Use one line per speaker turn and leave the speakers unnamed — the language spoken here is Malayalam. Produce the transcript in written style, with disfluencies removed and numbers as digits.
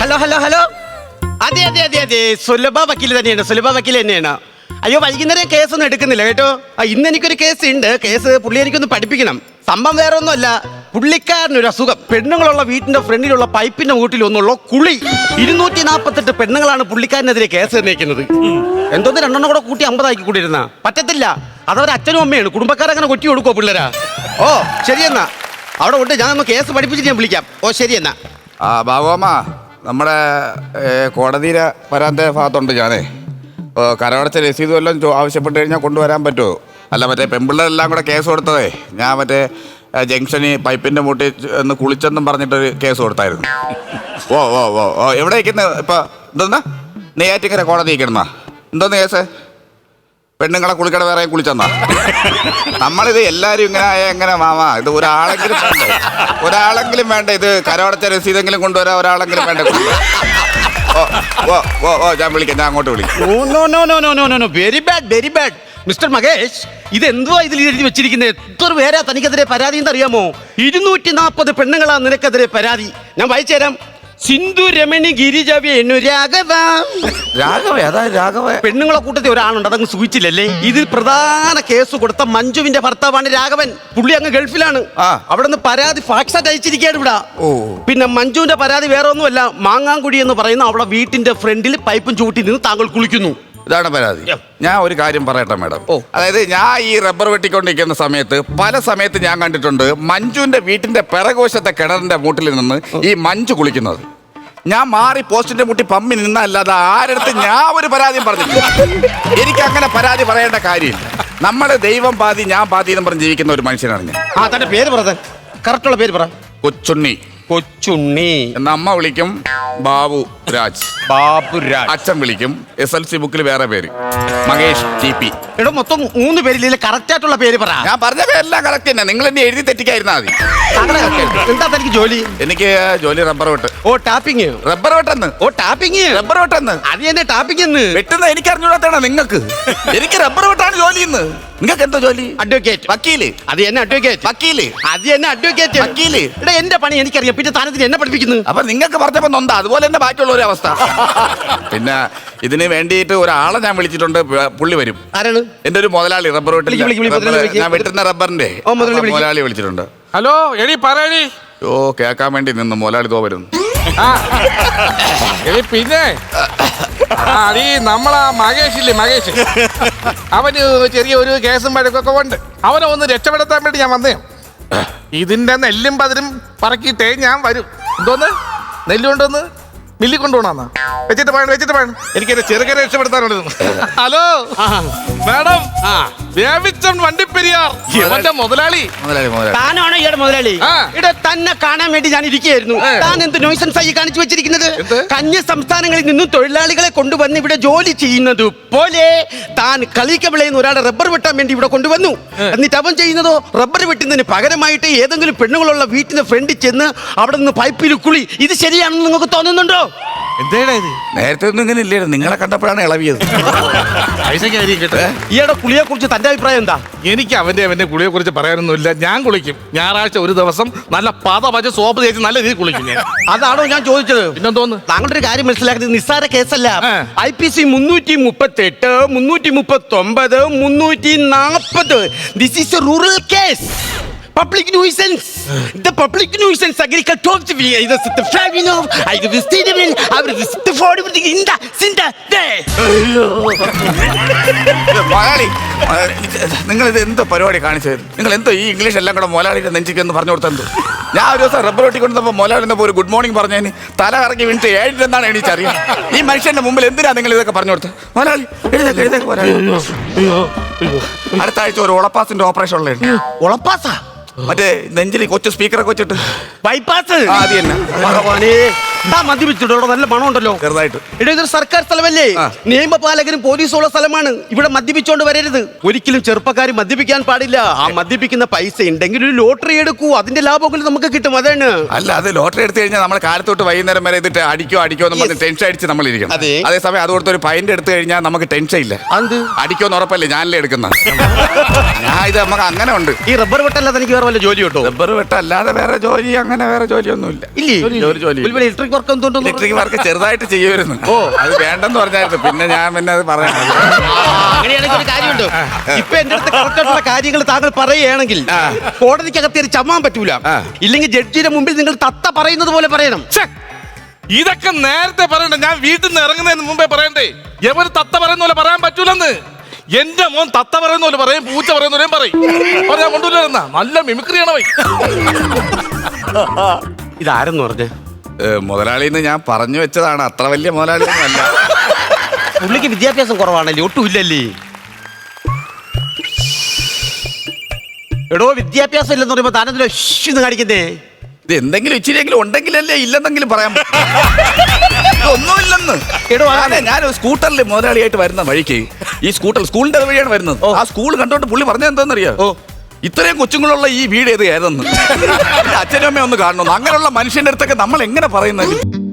Hello hello hello. അതെ അതെ അതെ അതെ, സുലഭ വക്കീൽ തന്നെയാണ്, സുലഭ വക്കീൽ തന്നെയാണ്. അയ്യോ, വൈകുന്നേരം കേസൊന്നും എടുക്കുന്നില്ല കേട്ടോ. ഇന്ന് എനിക്കൊരു കേസ് ഉണ്ട്. കേസ് പുള്ളി എനിക്കൊന്ന് പഠിപ്പിക്കണം. സംഭവം വേറെ ഒന്നുമല്ല, പുള്ളിക്കാരനൊരു അസുഖം. പെണ്ണുങ്ങളുള്ള വീട്ടിന്റെ ഫ്രണ്ടിലുള്ള പൈപ്പിന്റെ മൂട്ടിൽ ഒന്നുള്ള കുളി. 248 പെണ്ണുങ്ങളാണ് പുള്ളിക്കാരനെതിരെ കേസ് നിർണ്ണയിക്കുന്നത്. എന്തോന്ന് രണ്ടെണ്ണം കൂടെ കൂട്ടി 50 ആക്കി കൂട്ടിയിരുന്ന പറ്റത്തില്ല. അതവരെ അച്ഛനും അമ്മയാണ്, കുടുംബക്കാരങ്ങനെ കൊട്ടി കൊടുക്കുമോ പിള്ളേരാ? ഓ ശരിയെന്നാ, അവിടെ ഉണ്ട്. ഞാൻ ഒന്ന് കേസ് പഠിപ്പിച്ചിട്ട് ഞാൻ വിളിക്കാം. ഓ ശരിയെന്നാ.
ബാബുമ്മ, നമ്മുടെ കോടതിയിലെ വരാൻ്റെ ഭാഗത്തുണ്ട് ഞാനേ. കരമടച്ച രസീത് വല്ലതും ആവശ്യപ്പെട്ട് കഴിഞ്ഞാൽ കൊണ്ടുവരാൻ പറ്റുമോ? അല്ല, മറ്റേ പെൺപിള്ളേരെല്ലാം കൂടെ കേസ് കൊടുത്തതേ, ഞാൻ മറ്റേ ജംഗ്ഷനിൽ പൈപ്പിൻ്റെ മൂട്ടി ഒന്ന് കുളിച്ചെന്നും പറഞ്ഞിട്ടൊരു കേസ് കൊടുത്തായിരുന്നു. ഓ ഓ ഓ ഓ എവിടെ ഇരിക്കുന്നത് ഇപ്പം? എന്തോന്നാ നെയ്യാറ്റിക്കര കോടതി ഇരിക്കണമെന്നാ? എന്തോന്ന് കേസ്? പെണ്ണുങ്ങളെ കുളിക്കട വേറെ കുളിച്ചെന്നാ? നമ്മളിത് എല്ലാവരും ഇങ്ങനെ എങ്ങനെ മാമാ? ഇത് ഒരാളെങ്കിലും വേണ്ടേ? ഒരാളെങ്കിലും വേണ്ട. ഇത് കരമടച്ച രസീതെങ്കിലും കൊണ്ടുവരാൻ ഒരാളെങ്കിലും വേണ്ട. ഓ ഓ ഓ ഓ ഞാൻ വിളിക്കാം, ഞാൻ അങ്ങോട്ട് വിളിക്കാം.
Very bad, very bad. Mister Makesh, ഇതെന്തുവാ ഇതിൽ എഴുതി വെച്ചിരിക്കുന്നത്? എത്ര പേരാ തനിക്കെതിരെ പരാതി എന്ന് അറിയാമോ? 240 പെണ്ണുങ്ങളാ നിനക്കെതിരെ പരാതി. ഞാൻ വായിച്ചു തരാം. സിന്ധു രമണി ഗിരിജ വേണു രാഘവ.
രാഘവ? അതായത് രാഘവ
പെണ്ണുങ്ങളെ കൂട്ടത്തിൽ ഒരാളുണ്ട്, അതങ്ങ് സൂചിച്ചില്ലല്ലേ? ഇതിൽ പ്രധാന കേസ് കൊടുത്ത മഞ്ജുവിന്റെ ഭർത്താവാണ് രാഘവൻ. പുള്ളി അങ്ങ് ഗൾഫിലാണ്. അവിടെ നിന്ന് പരാതി ഫാക്സായിട്ട് അയച്ചിരിക്കുകയാണ് ഇവിടെ. പിന്നെ മഞ്ജുവിന്റെ പരാതി വേറെ ഒന്നുമല്ല, മാങ്ങാങ്കുടി എന്ന് പറയുന്ന അവിടെ വീട്ടിന്റെ ഫ്രണ്ടിൽ പൈപ്പും ചൂട്ടി നിന്ന് താങ്കൾ കുളിക്കുന്നു.
ഇതാണ് പരാതി. ഞാൻ ഒരു കാര്യം പറയട്ടെ മാഡം. അതായത് ഞാൻ ഈ റബ്ബർ വെട്ടിക്കൊണ്ടിരിക്കുന്ന സമയത്ത് പല സമയത്ത് ഞാൻ കണ്ടിട്ടുണ്ട് മഞ്ജുവിന്റെ വീട്ടിന്റെ പിറകോശത്തെ കിണറിന്റെ മൂട്ടിൽ നിന്ന് ഈ മഞ്ജു കുളിക്കുന്നത്. ഞാൻ മാറി പോസ്റ്റിന്റെ മുട്ടി പമ്മി നിന്നല്ലാതെ ആരടുത്ത് ഞാൻ ഒരു പരാതിയും പറഞ്ഞില്ല. എനിക്ക് അങ്ങനെ പരാതി പറയേണ്ട കാര്യമില്ല. നമ്മള് ദൈവം പാതി ഞാൻ പാതി എന്ന് പറഞ്ഞ് ജീവിക്കുന്ന ഒരു മനുഷ്യനാണ് ഞാൻ.
തന്റെ പേര് പറ, കറക്റ്റുള്ള പേര് പറ.
കൊച്ചുണ്ണി.
കൊച്ചുണ്ണി
എന്ന അമ്മ വിളിക്കും ബാബു രാജ്.
ബാബുരാജ്.
അച്ഛൻ വിളിക്കും SLC ബുക്കിൽ വേറെ പേര് മഹേഷ് TP.
എടോ, മൊത്തം 3 പേരില്ലേ? കറക്റ്റ് ആയിട്ടുള്ള പേര് പറ.
ഞാൻ പറഞ്ഞ പേരെല്ലാം കറക്റ്റ് തന്നെ. നിങ്ങൾ എന്നെ എഴുതി തെറ്റിക്കായിരുന്നാ മതി.
എന്താ തനിക്ക് ജോലി?
എനിക്ക് ജോലി റബ്ബർ വെട്ട്.
ഓ ടാപ്പിങ്.
റബ്ബർ വെട്ടെന്ന്.
ഓ ടാപ്പിങ്.
റബ്ബർ വെട്ടെന്ന്.
അത് തന്നെ ടാപ്പിങ് എന്ന്
വെട്ടുന്ന എനിക്ക് അറിഞ്ഞൂടാത്തതാണ് നിങ്ങൾക്ക്. എനിക്ക് റബ്ബർ വെട്ടാണ് ജോലി ഇന്ന്. നിങ്ങൾക്ക് എന്തോ ജോലി?
അഡ്വക്കേറ്റ്.
വക്കീല്.
അത് തന്നെ അഡ്വക്കേറ്റ്.
വക്കീല്.
അത് തന്നെ അഡ്വക്കേറ്റ്.
വക്കീല്.
എടാ, എന്റെ പണി എനിക്കറിയാം, പിന്നെ താനത്തിന് എന്നെ പഠിപ്പിക്കുന്നു.
അപ്പൊ നിങ്ങൾക്ക് പറഞ്ഞപ്പോ നൊന്താ, അതുപോലെ തന്നെ ബാക്കിയുള്ള ഒരു അവസ്ഥ. പിന്നെ ഇതിന് വേണ്ടിയിട്ട് ഒരാളെ ഞാൻ വിളിച്ചിട്ടുണ്ട്. പുള്ളി വരും.
ആരാണ്?
എന്റെ ഒരു മുതലാളി റബ്ബർ വെട്ടിൽ ഞാൻ വെട്ടുന്ന റബ്ബറിന്റെ മുതലാളി വിളിച്ചിട്ടുണ്ട്.
ഹലോ, എടി പറയടി.
ഓ കേൾക്കാൻ വേണ്ടി നിന്ന് മുതലാളി തോ വരുന്നു.
എടി പിന്നെ അടി നമ്മളാ മഹേഷ് ഇല്ലേ, മഹേഷ്, അവന് ചെറിയ ഒരു കേസും വഴക്കൊക്കെ ഉണ്ട്. അവനെ ഒന്ന് രക്ഷപ്പെടുത്താൻ വേണ്ടി ഞാൻ വന്നേ. ഇതിന്റെ നെല്ലും പതിരും പറക്കിയിട്ടേ ഞാൻ വരും. എന്തോന്ന് നെല്ല് കൊണ്ടുവന്ന് മില്ലി കൊണ്ടുപോകണമെന്നാ? വെച്ചിട്ട് വേണം എനിക്ക് എന്റെ ചെറുകനെ രക്ഷപ്പെടുത്താനുള്ളത്. ഹലോ മാഡം, ദേവിച്ചൻ വണ്ടിപ്പെരിയാർ അവന്റെ മുതലാളി.
താനാണോ ഈയുടെ മുതലാളി? ഇവിടെ തന്നെ കാണാൻ വേണ്ടി ഞാൻ ഇരിക്കുകയായിരുന്നു. താൻ എന്ത് നോയ്സൻസ് ആയി കാണിച്ചു വെച്ചിരിക്കുന്നത്? കന്യ സംസ്ഥാനങ്ങളിൽ നിന്നും തൊഴിലാളികളെ കൊണ്ടുവന്ന് ഇവിടെ ജോലി ചെയ്യുന്നത് പോലെ താൻ കളിക്കവിളയുന്ന ഒരാളെ റബ്ബർ വെട്ടാൻ വേണ്ടി ഇവിടെ കൊണ്ടുവന്നു. എന്നിട്ട് അവൻ ചെയ്യുന്നതോ റബ്ബർ വെട്ടുന്നതിന് പകരമായിട്ട് ഏതെങ്കിലും പെണ്ണുങ്ങളുള്ള വീട്ടിന്റെ ഫ്രണ്ടിൽ ചെന്ന് അവിടെ നിന്ന് പൈപ്പിൽ കുളി. ഇത് ശരിയാണെന്ന് നിങ്ങൾക്ക് തോന്നുന്നുണ്ടോ?
നേരത്തെ ഒന്നും ഇങ്ങനെ ഇല്ലായിരുന്നു. നിങ്ങളെ കണ്ടപ്പോഴാണ് ഇളവിയത്.
ഈയുടെ കുളിയെ കുറിച്ച് തന്റെ അഭിപ്രായം എന്താ?
എനിക്ക് അവന്റെ കുളിയെ കുറിച്ച് പറയാനൊന്നുമില്ല. ഞാൻ കുളിക്കും. ഞായറാഴ്ച ഒരു ദിവസം നല്ല പച്ച സോപ്പ് തേച്ച് നല്ല രീതിയിൽ കുളിക്കും ഞാൻ.
അതാണോ ഞാൻ ചോദിച്ചത്?
പിന്നെന്തോന്ന്?
താങ്കളുടെ ഒരു കാര്യം മനസ്സിലാക്കുന്നത് നിസ്സാര കേസല്ല. IPC 338, 339, 340. This is a rural case. Public nuisance. The public nuisance agriculture. The flavor of I the stadium. I the for everything in the cinda there.
Malayali, നിങ്ങൾ ഇത് എന്തോ പരിപാടി കാണിച്ചത്? നിങ്ങൾ എന്തോ ഈ ഇംഗ്ലീഷ് എല്ലാം കൂടെ മലയാളിയുടെ നെഞ്ചിക്ക് എന്ന് പറഞ്ഞു കൊടുത്തത്? ഞാൻ ഒരു ദിവസം റബ്ബർ വെട്ടിക്കൊണ്ടപ്പോൾ മലയാളി ഒരു ഗുഡ് മോർണിംഗ് പറഞ്ഞതിന് തല കറങ്ങി വീണിട്ട് 7 എന്നാണ് എണീച്ചറിയാം. ഈ മനുഷ്യന്റെ മുമ്പിൽ എന്തിനാ നിങ്ങൾ ഇതൊക്കെ പറഞ്ഞു കൊടുത്തത്? മലയാളി എഴുതേക്ക് മലയാളി. അടുത്ത ആഴ്ച ഒരു ഉളപ്പാസിന്റെ ഓപ്പറേഷൻ ഉള്ളത്.
ഉളപ്പാസാ?
മറ്റേ നെഞ്ചിൽ കൊച്ചു സ്പീക്കറൊക്കെ വെച്ചിട്ട്
ബൈപ്പാസ്.
അത് തന്നെ.
മദ്യപിച്ചിട്ടോ? നല്ല മണം ഉണ്ടല്ലോ.
ചെറുതായിട്ട്.
ഇതൊരു സർക്കാർ സ്ഥലമല്ലേ? നിയമപാലകരും പോലീസുള്ള സ്ഥലമാണ്. ഇവിടെ മദ്യപിച്ചോണ്ട് വരരുത്. ഒരിക്കലും ചെറുപ്പക്കാർ മദ്യപിക്കാൻ പാടില്ല. ആ മദ്യപിക്കുന്ന പൈസ ഉണ്ടെങ്കിൽ ഒരു ലോട്ടറി എടുക്കൂ, അതിന്റെ ലാഭങ്ങൾ നമുക്ക് കിട്ടും. അതാണ്.
അല്ല, അത് ലോട്ടറി എടുത്തു കഴിഞ്ഞാൽ നമ്മൾ കാലത്തോട്ട് വൈകുന്നേരം വരെ ഇതിട്ട് അടിക്കോ എന്ന് പറഞ്ഞ് ടെൻഷൻ അടിച്ച് നമ്മൾ ഇരിക്കണം. അതേസമയം അതുകൊടുത്ത് ഒരു പൈൻ്റ് എടുത്തു കഴിഞ്ഞാൽ നമുക്ക് ടെൻഷൻ ഇല്ല. അടിക്കോന്ന് ഉറപ്പല്ലേ? ഞാനല്ലേ എടുക്കുന്ന. ഞാൻ ഇത് നമുക്ക് അങ്ങനെ ഉണ്ട്.
ഈ റബ്ബർ വെട്ടല്ലാതെ എനിക്ക് വേറെ വല്ല ജോലി കിട്ടോ?
റബ്ബർ വെട്ടല്ലാതെ വേറെ ജോലി അങ്ങനെ വേറെ ജോലിയൊന്നും ഇല്ല.
ഇല്ലേ?
ജോലി
ഇലക്ട്രിക് ഇലക്ട്രിക് വർക്ക് എന്തുകൊണ്ടോ
ഇലക്ട്രിക് വർക്ക് ചെറുതായിട്ട് ചെയ്യുമായിരുന്നു.
ഓ.
അത് വേണ്ടെന്ന് പറഞ്ഞായിരുന്നു. പിന്നെ ഞാൻ അത് പറയാം.
അങ്ങനെയാണെങ്കിൽ ഒരു കാര്യമുണ്ട്. ഇപ്പൊ എന്റെ അടുത്ത് കറക്റ്റായിട്ടുള്ള കാര്യങ്ങൾ താങ്കൾ പറയുകയാണെങ്കിൽ കോടതിക്കകത്ത് ഒരു ചമ്മാൻ പറ്റൂല. ഇല്ലെങ്കിൽ ജഡ്ജിയുടെ മുമ്പിൽ നിങ്ങൾ തത്ത പറയുന്നത് പോലെ പറയണം.
ഛെ, ഇതൊക്കെ നേരത്തെ പറയണ്ടേ? ഞാൻ വീട്ടിൽ നിന്ന് ഇറങ്ങുന്നതിന് മുമ്പേ പറയണ്ടേ? എവര് തത്ത പറയുന്ന പോലെ പറയാൻ പറ്റൂലെന്ന്. എന്റെ മോൻ തത്ത പറയുന്ന പോലെ പറയും, പൂച്ച പറയുന്ന പോലെയും പറയും. പറയാൻ കൊണ്ടുവരുന്ന നല്ല മിമിക്രിയാണ് പോയി.
ഇതാരെന്ന് പറഞ്ഞേ?
മുതലാളിന്ന് ഞാൻ പറഞ്ഞു വെച്ചതാണ്. അത്ര വലിയ മുതലാളിയൊന്നും അല്ല.
പുള്ളിക്ക് വിദ്യാഭ്യാസം കുറവാണല്ലേ? ഒട്ടും ഇല്ലല്ലേ? എടോ, വിദ്യാഭ്യാസം ഇല്ലെന്ന് പറയുമ്പോ താനെന്തിനാ എന്ന് കാണിക്കുന്നേ?
ഇത് എന്തെങ്കിലും ഇച്ചിരിയെങ്കിലും ഉണ്ടെങ്കിലല്ലേ ഇല്ലെന്നെങ്കിലും പറയാൻ ഒന്നുമില്ലെന്ന്.
എടോ,
അതെ, ഞാൻ സ്കൂട്ടറിൽ മുതലാളിയായിട്ട് വരുന്ന വഴിക്ക് ഈ സ്കൂളിന്റെ വഴിയാണ് വരുന്നത്. ആ സ്കൂൾ കണ്ടോണ്ട് പുള്ളി പറഞ്ഞത് എന്താണെന്നറിയോ? ഇത്രയും കൊച്ചുങ്ങളുള്ള ഈ വീട് ഏത് ഏതെന്ന് അച്ഛനും അമ്മയും ഒന്ന് കാണണമെന്ന്. അങ്ങനെയുള്ള മനുഷ്യന്റെ അടുത്തൊക്കെ നമ്മൾ എങ്ങനെ പറയുന്നത്?